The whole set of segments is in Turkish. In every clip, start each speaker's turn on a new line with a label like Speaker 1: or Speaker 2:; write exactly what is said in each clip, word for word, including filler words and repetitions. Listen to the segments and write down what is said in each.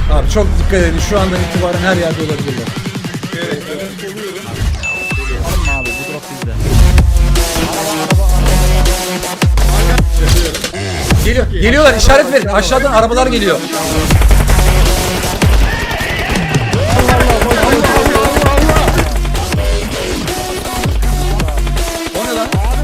Speaker 1: Abi çok dikkat edin. Şu andan itibaren her yerde olabilirler.
Speaker 2: Evet, evet. Oluyorum.
Speaker 3: Alma abi bu drop bizde.
Speaker 1: Geliyor, geliyorlar. İşaret verin. Aşağıdan arabalar geliyor. O ne lan?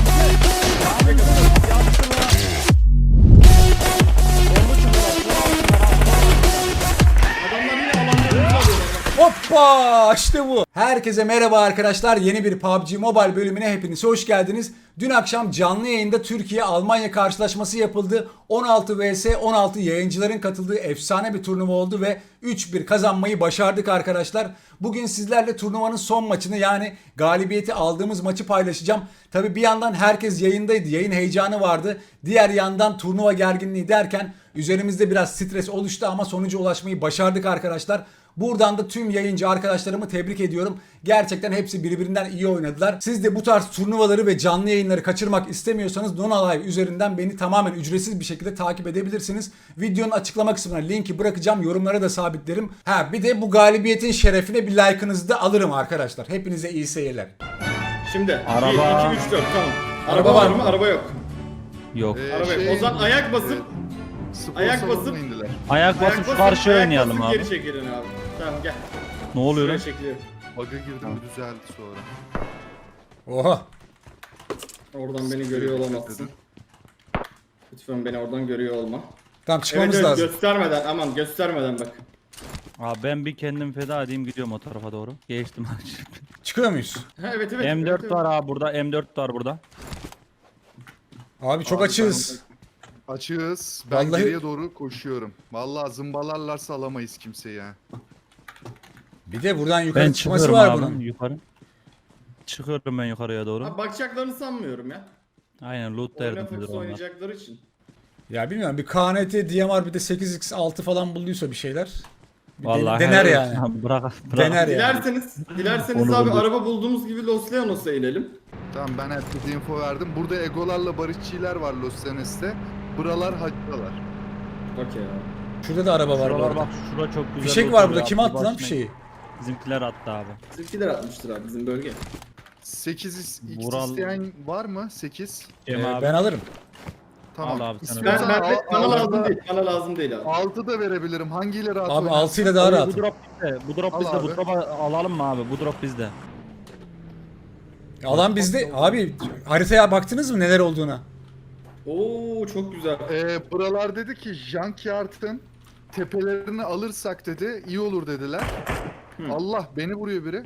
Speaker 2: Adamlar yine alanlarını alıyorlar.
Speaker 1: Hoppa işte bu. Herkese merhaba arkadaşlar. Yeni bir P U B G Mobile bölümüne hepiniz hoş geldiniz. Dün akşam canlı yayında Türkiye-Almanya karşılaşması yapıldı. on altı vs on altı yayıncıların katıldığı efsane bir turnuva oldu ve üç bir kazanmayı başardık arkadaşlar. Bugün sizlerle turnuvanın son maçını yani galibiyeti aldığımız maçı paylaşacağım. Tabi bir yandan herkes yayındaydı. Yayın heyecanı vardı. Diğer yandan turnuva gerginliği derken üzerimizde biraz stres oluştu ama sonuca ulaşmayı başardık arkadaşlar. Buradan da tüm yayıncı arkadaşlarımı tebrik ediyorum. Gerçekten hepsi birbirinden iyi oynadılar. Siz de bu tarz turnuvaları ve canlı yayınları kaçırmak istemiyorsanız Nona Live üzerinden beni tamamen ücretsiz bir şekilde takip edebilirsiniz. Videonun açıklama kısmına linki bırakacağım. Yorumlara da sabitlerim. Ha bir de bu galibiyetin şerefine bir like'ınızı da alırım arkadaşlar. Hepinize iyi seyirler.
Speaker 2: Şimdi
Speaker 3: Araba.
Speaker 2: bir, iki, üç, dört tamam.
Speaker 1: Araba
Speaker 2: Araba
Speaker 1: var
Speaker 2: var
Speaker 1: mı?
Speaker 2: mı? Araba yok.
Speaker 3: Yok.
Speaker 4: Ee,
Speaker 2: Araba yok.
Speaker 4: şey,
Speaker 2: O zaman ayak basıp
Speaker 4: evet, spor
Speaker 2: ayak
Speaker 4: salonuna
Speaker 2: basıp-
Speaker 4: indiler.
Speaker 3: Ayak
Speaker 2: ayak
Speaker 3: basıp
Speaker 2: basıp
Speaker 3: karşı
Speaker 2: ayak
Speaker 3: oynayalım
Speaker 2: basıp
Speaker 3: abi.
Speaker 2: Geri çekilin abi. Tamam gel.
Speaker 3: Ne oluyor lan?
Speaker 2: Şuraya çekiliyor.
Speaker 4: Bug'a girdim düzeldi sonra.
Speaker 1: Oha.
Speaker 2: Oradan beni görüyor olamazsın. Lütfen beni oradan görüyor olma.
Speaker 1: Tamam
Speaker 2: Evet,
Speaker 1: çıkmamız
Speaker 2: evet
Speaker 1: lazım.
Speaker 2: göstermeden aman göstermeden bak.
Speaker 3: Abi ben bir kendim feda edeyim gidiyorum o tarafa doğru. Geçtim.
Speaker 1: Çıkıyor muyuz?
Speaker 2: Ha, evet evet.
Speaker 3: M dört
Speaker 2: evet, evet.
Speaker 3: var abi burada. M dört var burada.
Speaker 1: Abi çok
Speaker 4: Abi
Speaker 1: açığız.
Speaker 4: Açığız. Ben
Speaker 1: Vallahi-
Speaker 4: geriye doğru koşuyorum. Vallahi zımbalarlarsa alamayız kimseyi ya.
Speaker 1: Bir de buradan yukarı
Speaker 3: Ben
Speaker 1: çıkması
Speaker 3: çıkıyorum
Speaker 1: var
Speaker 3: abi
Speaker 1: bunun.
Speaker 3: yukarı. Çıkıyorum ben yukarıya doğru.
Speaker 2: Abi bakacaklarını sanmıyorum ya.
Speaker 3: Aynen loot
Speaker 2: Oyuna
Speaker 3: derdim
Speaker 2: fokus
Speaker 3: onlar.
Speaker 2: oynayacakları için.
Speaker 1: Ya bilmiyorum bir K N T, D M R bir de sekiz x altı falan bulduysa bir şeyler. Bir den-
Speaker 3: Vallahi
Speaker 1: dener
Speaker 3: helal
Speaker 1: yani.
Speaker 3: olsun abi, Bırak, bırak.
Speaker 1: Dener yani.
Speaker 2: Dilerseniz, dilerseniz
Speaker 3: Onu
Speaker 2: abi
Speaker 3: bulduk.
Speaker 2: araba bulduğumuz gibi Los Leonos'a inelim.
Speaker 4: Tamam ben herkese info verdim. Burada egolarla barışçiler var Los Angeles'te. Buralar hacılar.
Speaker 2: Okey abi.
Speaker 1: Şurada da araba var bu
Speaker 3: Şuralar
Speaker 1: arada.
Speaker 3: bak şura çok güzel.
Speaker 1: Fişek
Speaker 3: loot
Speaker 1: var
Speaker 3: oluyor
Speaker 1: burada.
Speaker 3: abi,
Speaker 1: Kim attı lan
Speaker 3: başına-
Speaker 1: fişeği?
Speaker 3: Bizimkiler attı abi.
Speaker 2: Bizimkiler atmıştır abi bizim bölge.
Speaker 4: sekiz x
Speaker 3: Vural-
Speaker 4: isteyen var mı? sekiz.
Speaker 3: Cem
Speaker 1: Ee,
Speaker 3: abi.
Speaker 1: ben alırım.
Speaker 4: Tamam.
Speaker 3: Al abi sen
Speaker 2: Ben,
Speaker 4: İstiyorsan
Speaker 2: ben,
Speaker 4: al-
Speaker 2: bana
Speaker 4: al-
Speaker 2: lazım
Speaker 4: al-
Speaker 2: değil. Bana lazım değil abi.
Speaker 4: altı da verebilirim. Hangiyle rahat
Speaker 1: Abi
Speaker 4: oynarsın?
Speaker 1: altı ile daha
Speaker 3: Abi,
Speaker 1: rahat.
Speaker 3: Bu drop bizde. Bu drop
Speaker 4: Al
Speaker 3: bizde.
Speaker 4: abi.
Speaker 3: Bu drop'u alalım mı abi? Bu drop bizde.
Speaker 1: Alan bizde. Abi haritaya baktınız mı neler olduğuna?
Speaker 2: Oo çok güzel.
Speaker 4: Ee, buralar dedi ki Junkyard'ın tepelerini alırsak dedi iyi olur dediler.
Speaker 2: Hı.
Speaker 4: Allah beni vuruyor biri.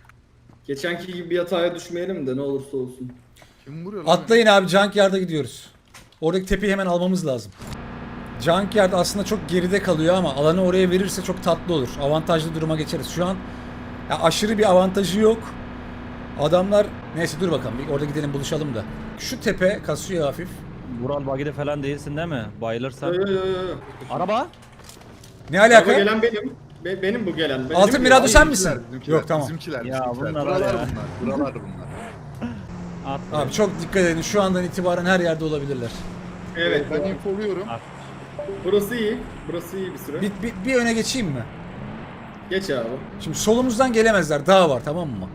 Speaker 2: Geçenki gibi bir hataya düşmeyelim de ne olursa olsun.
Speaker 4: Kim vuruyor lan?
Speaker 1: Atlayın abi Junkyard'a gidiyoruz. Oradaki tepeyi hemen almamız lazım. Junkyard aslında çok geride kalıyor ama alanı oraya verirse çok tatlı olur. Avantajlı duruma geçeriz. Şu an ya aşırı bir avantajı yok. Adamlar neyse dur bakalım bir orada gidelim buluşalım da. Şu tepe kasıyor hafif.
Speaker 3: Vural bagide falan değilsin değil mi? Bayılırsan.
Speaker 2: Yo yo yo yo.
Speaker 3: Araba?
Speaker 1: Ne
Speaker 2: Araba
Speaker 1: alaka?
Speaker 2: gelen benim. Be- benim bu gelen. Benim
Speaker 1: Altın
Speaker 2: değil mi?
Speaker 1: Mirado sen
Speaker 4: Bizimkiler,
Speaker 1: misin?
Speaker 4: bizimkiler,
Speaker 1: Yok tamam.
Speaker 4: Bizimkiler,
Speaker 3: Ya
Speaker 4: bizimkiler.
Speaker 3: bunlar
Speaker 4: buralar
Speaker 3: ya.
Speaker 4: bunlar. Buralar bunlar.
Speaker 3: At.
Speaker 1: Abi çok dikkat edin. Şu andan itibaren her yerde olabilirler.
Speaker 2: Evet.
Speaker 4: Ben infoluyorum.
Speaker 2: Burası iyi. Burası iyi bir süre.
Speaker 1: Bir, bir, bir öne geçeyim mi?
Speaker 2: Geç abi.
Speaker 1: Şimdi solumuzdan gelemezler. Dağ var tamam mı?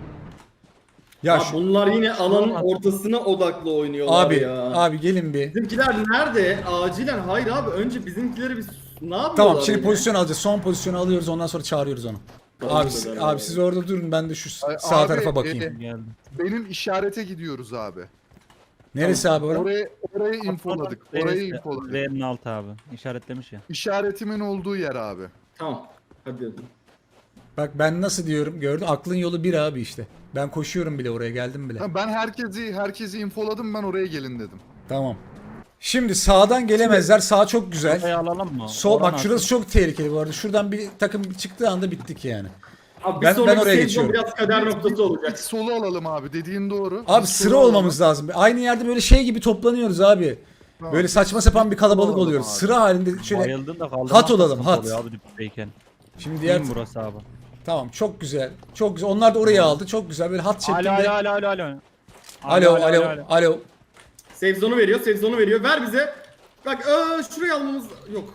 Speaker 1: Ya
Speaker 2: Abi
Speaker 1: şu-
Speaker 2: bunlar yine alanın ortasına odaklı oynuyorlar
Speaker 1: abi
Speaker 2: ya.
Speaker 1: abi gelin bir.
Speaker 2: Bizimkiler nerede? Acilen. Hayır abi önce bizimkileri bir ne yapıyorlar?
Speaker 1: Tamam şimdi
Speaker 2: yine?
Speaker 1: pozisyon alacağız. Son pozisyonu alıyoruz ondan sonra çağırıyoruz onu.
Speaker 2: Tamam,
Speaker 1: Abi,
Speaker 2: güzel,
Speaker 1: abi
Speaker 2: abi.
Speaker 1: siz orada durun ben de şu
Speaker 4: Ay,
Speaker 1: sağ
Speaker 4: abi,
Speaker 1: tarafa bakayım.
Speaker 4: e,
Speaker 3: Geldim.
Speaker 4: Benim işarete gidiyoruz abi.
Speaker 1: Neresi abi orası?
Speaker 4: Orayı, orayı infoladık. Orayı infoladık.
Speaker 3: V'nin altı abi. İşaretlemiş ya.
Speaker 4: İşaretimin olduğu yer abi.
Speaker 2: Tamam. Hadi hadi.
Speaker 1: Bak ben nasıl diyorum gördün aklın yolu bir abi işte. Ben koşuyorum bile oraya geldim bile.
Speaker 4: Ha, Ben herkesi herkesi infoladım ben oraya gelin dedim.
Speaker 1: Tamam. Şimdi sağdan gelemezler. Sağ çok güzel.
Speaker 3: Orayı alalım mı?
Speaker 1: Sol
Speaker 3: Oran
Speaker 1: bak şurası
Speaker 3: nasıl?
Speaker 1: çok tehlikeli bu arada. Şuradan bir takım çıktığı anda bittik yani.
Speaker 2: Abi bir
Speaker 1: Ben- ben
Speaker 2: sonraki
Speaker 1: oraya
Speaker 2: sezon
Speaker 1: geçiyorum.
Speaker 2: biraz kader noktası
Speaker 4: Biz
Speaker 2: olacak.
Speaker 4: solu alalım abi dediğin doğru.
Speaker 1: Abi
Speaker 4: Biz
Speaker 1: sıra
Speaker 4: solu alalım.
Speaker 1: olmamız lazım. Aynı yerde böyle şey gibi toplanıyoruz abi.
Speaker 4: Tamam,
Speaker 1: Böyle
Speaker 4: biz-
Speaker 1: saçma sapan bir kalabalık
Speaker 4: alalım
Speaker 1: oluyoruz.
Speaker 4: abi.
Speaker 1: Sıra halinde şöyle.
Speaker 3: Bayıldın da kaldırmak
Speaker 1: Hat olalım,
Speaker 3: sıkıntı
Speaker 1: hat.
Speaker 3: oluyor Abi dipteyken.
Speaker 1: Şimdi diğer
Speaker 3: Diğer burası abi.
Speaker 1: tamam çok güzel. Çok güzel. Onlar da oraya aldı. Çok güzel. Böyle hat
Speaker 3: Alo
Speaker 1: şeklinde.
Speaker 3: alo alo alo alo.
Speaker 1: Alo alo alo.
Speaker 2: Save zone'u veriyor, save zone'u veriyor. Ver bize. Bak ee, şurayı almamız yok.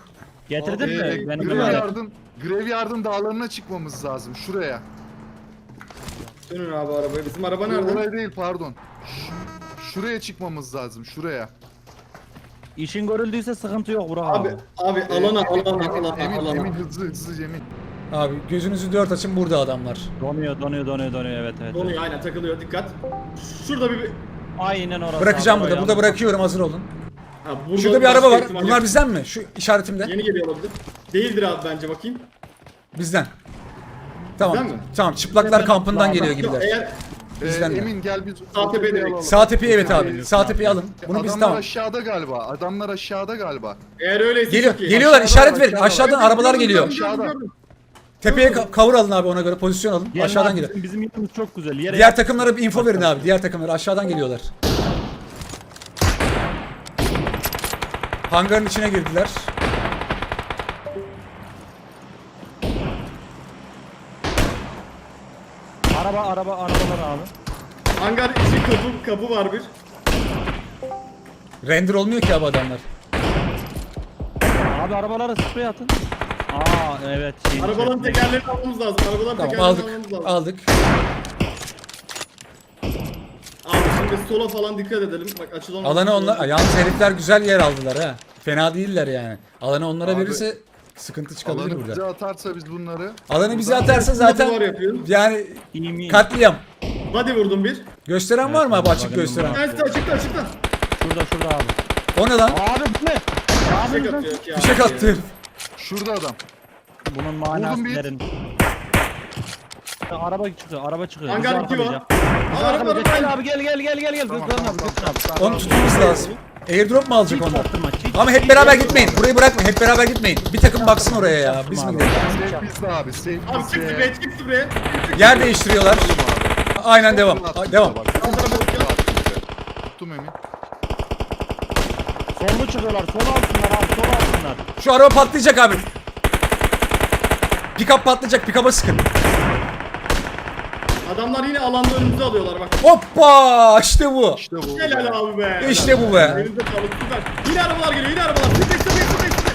Speaker 3: Getirdin
Speaker 4: Ee,
Speaker 3: mi? Benim
Speaker 4: Grev
Speaker 3: öyle.
Speaker 4: yardım, Grev yardım dağlarına çıkmamız lazım. Şuraya.
Speaker 2: Dönün abi arabaya. Bizim araba
Speaker 4: Oraya
Speaker 2: nerede?
Speaker 4: değil pardon. Ş- şuraya çıkmamız lazım. Şuraya.
Speaker 3: İşin görüldüyse sıkıntı yok Burak
Speaker 2: Abi
Speaker 3: abi.
Speaker 2: abi alana
Speaker 4: Emin,
Speaker 2: alana
Speaker 4: Emin,
Speaker 2: alana
Speaker 4: Emin,
Speaker 2: alana.
Speaker 4: Emin, hızlı hızlı Emin.
Speaker 1: Abi gözünüzü dört açın, burada adamlar.
Speaker 3: Donuyor donuyor donuyor donuyor evet evet.
Speaker 2: Donuyor aynen takılıyor dikkat. Şurada bir
Speaker 3: Aynen orası.
Speaker 1: Bırakacağım
Speaker 3: abi,
Speaker 1: burada.
Speaker 3: o
Speaker 1: Burada
Speaker 3: yalnız.
Speaker 1: bırakıyorum, hazır olun.
Speaker 2: ha, burada
Speaker 1: Şurada bir
Speaker 2: başka
Speaker 1: araba var.
Speaker 2: ihtimal
Speaker 1: Bunlar
Speaker 2: yok.
Speaker 1: bizden mi? Şu işaretimde.
Speaker 2: Yeni geliyor olabilir. Değildir abi bence bakayım.
Speaker 1: Bizden. Tamam.
Speaker 2: Bizden mi?
Speaker 1: Tamam. Çıplaklar kampından
Speaker 3: Daha-
Speaker 1: geliyor
Speaker 2: Yok
Speaker 1: gibiler.
Speaker 2: eğer
Speaker 4: Ee,
Speaker 1: Bizden de.
Speaker 4: Emin gel biz
Speaker 2: Sağ
Speaker 4: o tepeyi
Speaker 2: tepeye
Speaker 4: alalım.
Speaker 1: Sağ tepeyi evet abi. Sağ tepeyi alın. Bunu biz
Speaker 4: Adamlar
Speaker 1: tamam.
Speaker 4: aşağıda galiba. Adamlar aşağıda galiba.
Speaker 2: eğer öyleyse
Speaker 1: Geliyor.
Speaker 2: çok iyi.
Speaker 1: Geliyorlar.
Speaker 4: Aşağıda
Speaker 1: İşaret
Speaker 4: var,
Speaker 1: verin.
Speaker 4: aşağıda var.
Speaker 1: Aşağıdan
Speaker 2: Evet,
Speaker 1: arabalar
Speaker 2: gördüm,
Speaker 1: geliyor.
Speaker 2: gördüm, gördüm,
Speaker 4: Aşağıda.
Speaker 2: gördüm.
Speaker 1: Tepeye ka- cover alın abi, ona göre pozisyon alın.
Speaker 3: Gelin
Speaker 1: Aşağıdan
Speaker 3: abi,
Speaker 1: geliyor.
Speaker 3: Bizim, bizim yerimiz çok güzel. Yere
Speaker 1: Diğer takımlara bir info verin abi. Diğer takımlara aşağıdan geliyorlar. Hangarın içine girdiler.
Speaker 3: Araba araba arabalar abi.
Speaker 2: Hangar içi kapı kapı var bir.
Speaker 1: Render olmuyor ki abi adamlar.
Speaker 3: Abi arabalara sprey atın. Aa evet. şeyin
Speaker 2: Arabaların
Speaker 3: içerisinde.
Speaker 2: tekerlerini almamız lazım. Arabaların
Speaker 1: Tamam,
Speaker 2: tekerlerini
Speaker 1: aldık.
Speaker 2: almamız lazım.
Speaker 1: Aldık.
Speaker 2: Abi şimdi sola falan dikkat edelim. Bak açılan
Speaker 1: Alanı onlar... Yalnız herifler güzel yer aldılar ha. Fena değiller yani. Alanı onlara
Speaker 4: Abi,
Speaker 1: verirse sıkıntı çıkabilir
Speaker 4: Alanı bize
Speaker 1: burada.
Speaker 4: atarsa biz bunları.
Speaker 1: Alanı bize atarsa
Speaker 2: duvar
Speaker 1: zaten
Speaker 2: yapıyoruz.
Speaker 1: yani
Speaker 3: İyi mi?
Speaker 1: katliam.
Speaker 2: Body vurdum bir.
Speaker 1: Gösteren var mı abi, açık gösteren?
Speaker 2: Açıkta açıkta açıkta.
Speaker 3: Şurada şurada abi.
Speaker 1: O ne lan?
Speaker 3: Abi bu ne? Abi
Speaker 2: Fişek
Speaker 3: bu ne?
Speaker 2: atıyor ki ya.
Speaker 1: Fişek attı herif.
Speaker 4: Şurada adam.
Speaker 3: Bunun manası
Speaker 4: Vurdum bir.
Speaker 3: derin. Araba çıkıyor, araba çıkıyor.
Speaker 2: Hangar
Speaker 3: Bizi
Speaker 2: iki var.
Speaker 3: arkalayacak.
Speaker 2: Aa,
Speaker 3: Bizi
Speaker 2: araba
Speaker 3: arkalayacak.
Speaker 2: araba.
Speaker 3: Gel abi gel gel gel gel gel.
Speaker 4: Tamam,
Speaker 3: Götürün
Speaker 4: tamam,
Speaker 3: abi götürün
Speaker 4: tamam,
Speaker 3: abi.
Speaker 4: tamam.
Speaker 1: Onu tutmamız lazım. Airdrop mu alacak
Speaker 3: Hiç
Speaker 1: onlar?
Speaker 3: çaktırma, hiç-
Speaker 1: Ama hep beraber gitmeyin. Burayı bırakma. Hep beraber gitmeyin. Bir takım baksın oraya ya. Biz mi gidelim?
Speaker 4: Safe bizde abi. Safe
Speaker 2: Abi çık
Speaker 4: bizde.
Speaker 2: spreye çık spreye.
Speaker 1: Yer değiştiriyorlar. Aynen devam. A- Devam.
Speaker 4: Tuttum Emin.
Speaker 3: Sollu çıkıyorlar. Sol alsınlar abi. Sol alsınlar.
Speaker 1: Şu araba patlayacak abi. Pick-up patlayacak. Pick-up'a sıkın.
Speaker 2: Adamlar yine alanda önümüzü alıyorlar bak.
Speaker 1: Hoppa! İşte bu.
Speaker 4: İşte bu.
Speaker 2: Helal abi be.
Speaker 1: İşte bu be.
Speaker 2: Elinize sağlık süper. Yine arabalar geliyor yine arabalar. Sprey sprey sprey sprey.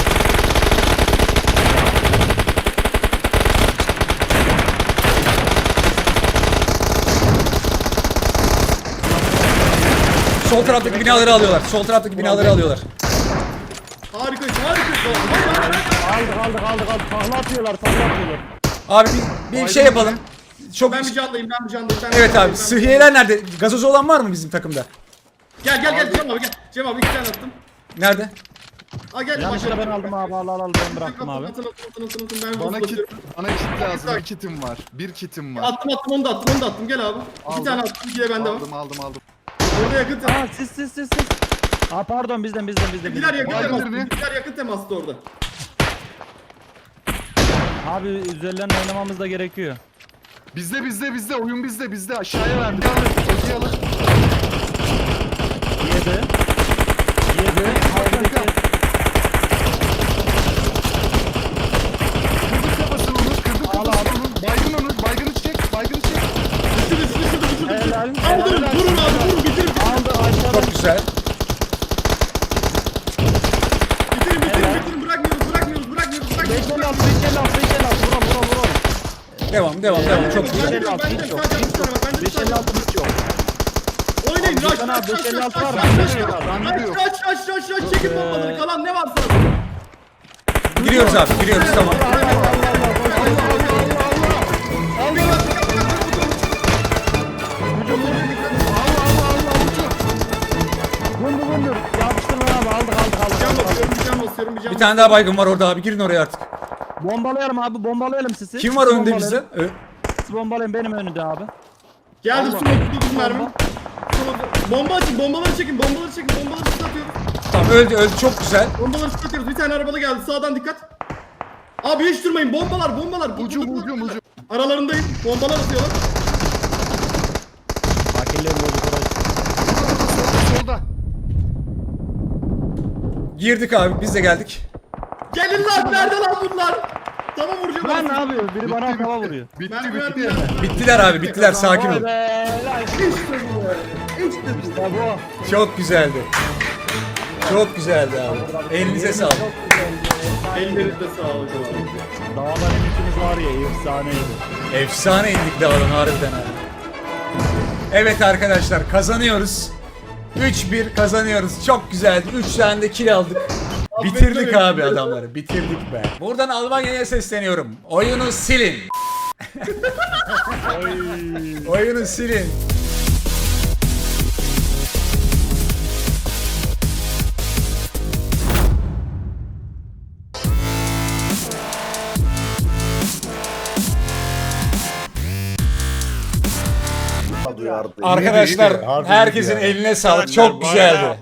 Speaker 1: Sol taraftaki binaları alıyorlar. Sol taraftaki binaları alıyorlar.
Speaker 2: Harikayız harikayız.
Speaker 3: Aldık aldık aldık aldık. Tahla atıyorlar. Tahla atıyorlar.
Speaker 1: Abi bir, bir şey yapalım. Çok
Speaker 2: Ben bir candayım ben bir candayım. Ben bir
Speaker 1: Evet
Speaker 2: candayım,
Speaker 1: abi.
Speaker 2: ben bir
Speaker 1: Sıhhiyeler nerede? Gazozu olan var mı bizim takımda?
Speaker 2: Gel gel gel Cem abi gel. Cem abi iki tane attım.
Speaker 1: Nerede?
Speaker 2: Aa gel.
Speaker 3: Yanlışlıkla ben aldım abi. Al al al ben bıraktım abi.
Speaker 2: Atın atın atın atın atın. Ben
Speaker 4: Bana kit,
Speaker 2: basıyorum.
Speaker 4: bana kit lazım. Bir kitim var. Bir kitim var.
Speaker 2: Attım attım onu da attım onu da attım. Gel abi.
Speaker 4: Aldım.
Speaker 2: İki tane attım. İki de bende var.
Speaker 4: Aldım aldım aldım.
Speaker 2: Orada yakın temas.
Speaker 3: Aa siz siz siz siz. Aa pardon bizden bizden bizden.
Speaker 2: Bizler
Speaker 3: bizden.
Speaker 2: yakın
Speaker 4: Vardır
Speaker 2: temas.
Speaker 4: mı?
Speaker 2: Bizler yakın temastı orada.
Speaker 3: Abi üzerlerine oynamamız da gerekiyor.
Speaker 4: Bizde bizde bizde oyun bizde bizde aşağıya verdik. Alın. Toki alın.
Speaker 3: Yedi. Yedi. Aldık.
Speaker 4: Kırdık kafasını onu. Kırdık
Speaker 3: Al
Speaker 4: kafasını onu. Baygın onu. Baygını çek. Baygını çek.
Speaker 2: Düşür düşür düşür düşür.
Speaker 3: Helal.
Speaker 2: Aldırın
Speaker 3: helal.
Speaker 2: vurun abi vurun bitirin.
Speaker 3: Aldı aşağıdan.
Speaker 1: Çok güzel.
Speaker 2: Bitirin bitirin
Speaker 3: Helal.
Speaker 2: bitirin. Bırakmıyoruz bırakmıyoruz bırakmıyoruz
Speaker 3: beş
Speaker 2: bırakmıyoruz.
Speaker 3: elli altı beş elli altı beş elli altı vuralım vuralım vuralım.
Speaker 1: Devam devam devam. Çok
Speaker 2: Ben
Speaker 1: güzel.
Speaker 2: de
Speaker 3: beş elli altı
Speaker 2: ben de
Speaker 3: hiç yok.
Speaker 2: sadece bir tane var. Ben de bir
Speaker 3: beş
Speaker 2: tane
Speaker 3: elli
Speaker 2: var.
Speaker 3: altı hiç yok.
Speaker 2: Oynayın
Speaker 3: Abi,
Speaker 2: rush
Speaker 3: Gökhan abi,
Speaker 2: rush rush
Speaker 3: beş elli
Speaker 2: rush
Speaker 3: altı var,
Speaker 2: rush
Speaker 3: bende
Speaker 2: rush
Speaker 3: de yok,
Speaker 2: rush
Speaker 4: bende de yok.
Speaker 2: rush rush rush rush çekin
Speaker 3: Ee,
Speaker 2: bombaları kalan ne varsa.
Speaker 1: Giriyoruz abi. Giriyoruz tamam.
Speaker 3: Allah Allah Allah. Vundur vundur. Yapıştırma abi aldık aldık aldık.
Speaker 2: Can
Speaker 3: aldık.
Speaker 2: basıyorum bir can basıyorum bir can
Speaker 1: Bir tane daha baygın var orada abi. Girin oraya artık.
Speaker 3: Bombalayalım abi bombalayalım sizi.
Speaker 1: Kim var
Speaker 3: Siz
Speaker 1: önde
Speaker 3: bombalayın.
Speaker 1: bizde? Ö-
Speaker 3: Siz bombalayın benim önümde abi.
Speaker 2: Geldi
Speaker 3: Allah.
Speaker 2: su dokuz mermi.
Speaker 3: Bomba.
Speaker 2: Bomba açın bombaları çekin bombaları çekin bombaları ıslatıyoruz.
Speaker 1: Tamam öldü öldü. Çok güzel.
Speaker 2: Bombaları ıslatıyoruz bir tane arabalı geldi sağdan dikkat. Abi hiç durmayın bombalar bombalar.
Speaker 4: Ucum ucum ucum.
Speaker 2: Aralarındayım bombalar atıyorlar.
Speaker 3: Fakirler bozuk orası.
Speaker 4: Solda solda.
Speaker 1: Girdik abi. Biz de geldik.
Speaker 2: Gelin lan nerede lan bunlar? Tamam vuracağım.
Speaker 3: Lan
Speaker 2: ben
Speaker 3: ne yapıyor? Biri bana
Speaker 4: Bitti,
Speaker 3: hava
Speaker 4: bitti.
Speaker 3: vuruyor.
Speaker 4: Bitti
Speaker 2: Mermi
Speaker 4: bitti.
Speaker 2: mermi mermi.
Speaker 1: Bittiler abi. Bittiler. Sakin
Speaker 3: Vay
Speaker 1: ol.
Speaker 3: be, lan
Speaker 2: İşte bu be. İşte bu.
Speaker 3: işte bu.
Speaker 1: Çok güzeldi. Çok güzeldi abi. Elinize sağlık.
Speaker 3: Çok güzeldi.
Speaker 2: Ellerinize sağlık abi.
Speaker 5: Dağlar emitimiz var ya efsaneydi.
Speaker 1: Efsane indik dağdan harbiden abi. Evet arkadaşlar kazanıyoruz. üç bir kazanıyoruz. Çok güzeldi. üç tane de kill aldık. Bitirdik abi adamları. Bitirdik be. Buradan Almanya'ya sesleniyorum. Oyunu silin. Oyunu silin.
Speaker 6: duyardı.
Speaker 1: Arkadaşlar
Speaker 5: iyiydi. Harbi
Speaker 1: herkesin
Speaker 5: iyiydi yani.
Speaker 1: eline sağlık. Çok güzeldi.